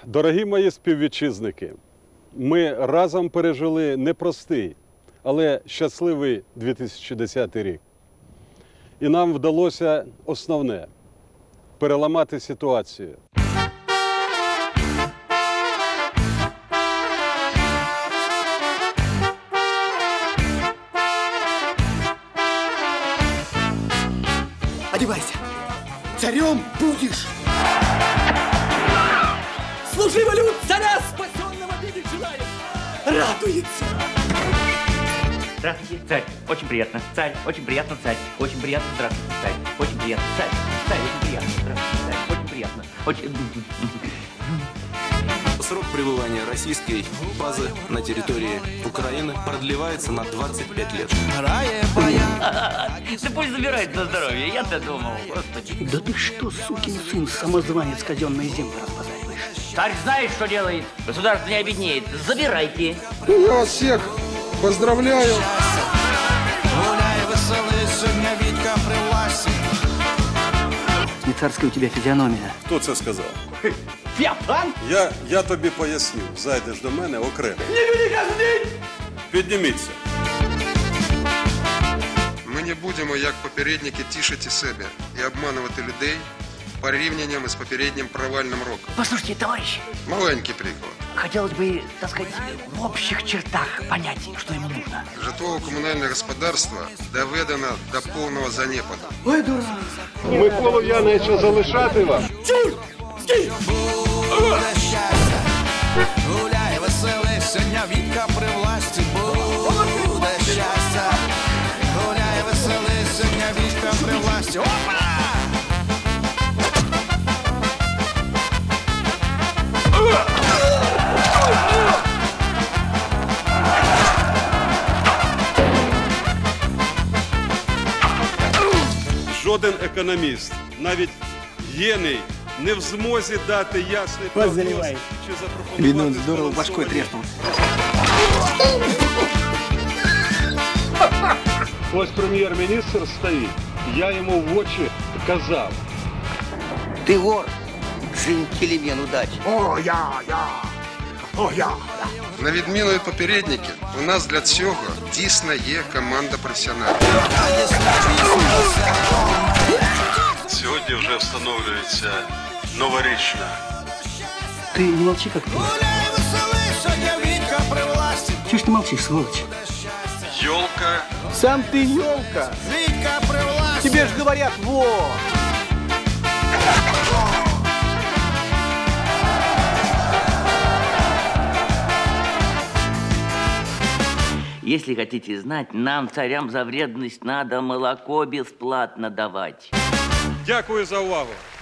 Дорогі мої співвітчизники, ми разом пережили непростий, але щасливий 2010 рік. І нам вдалося основне – переламати ситуацію. Одевайся. Царем будешь. Служи волю царя, спасенного видеть желает. Радуется. Здравствуйте, царь. Очень приятно. Царь. Очень приятно, царь. Очень приятно. Здравствуйте, царь. Очень приятно, царь. Царь, очень приятно. Здравствуйте, царь. Очень приятно. Очень... Срок пребывания российской базы на территории Украины продлевается на 25 лет. Да пусть забирает на здоровье, я-то думал, господи. Да ты что, сукин сын, самозванец, казенные земли разбазариваешь? Царь знает, что делает. Государство не обеднеет. Забирайте. Я вас всех поздравляю. Не царская у тебя физиономия. Хто це сказав? Я пан? Я тобі поясню. Зайдеш до мене окремо. Не люди каждый день! Підніміться. Ми не будемо, як попередники, тішити себе і обманувати людей порівнянням із попереднім провальним роком. Послушайте, товарищи, Маленький приклад. хотелось бы, так сказать, в общих чертах понять, что ему нужно. Житлово-комунальне господарство доведено до повного занепаду. Ой, дурак! Миколу Яновича залишати вам? Гуляй, веселися, Вітка при власті буде щастя. Гуляй, веселися, Вітка при власті. Опа! Жоден економіст, навіть гений, не в змозі дати ясний прогноз, чи запропонувати... Видно, он здорово башкой треснул. Ось прем'єр-міністр стоїть, я йому в очі казав. Ты вор, джентльмен удачи. На відміну від попередників, у нас для цього дійсно є команда професіоналів. Сьогодні вже встановлюється новорічна. Ты не молчи как ты. Гуляй, веселися, Вітка при власті. Чего ж ты молчишь, сволочь? Йолка. Сам ты елка. Вітка при власті. Тебе ж говорят, во! Если хотите знать, нам, царям, за вредность надо молоко бесплатно давать. Дякую за увагу.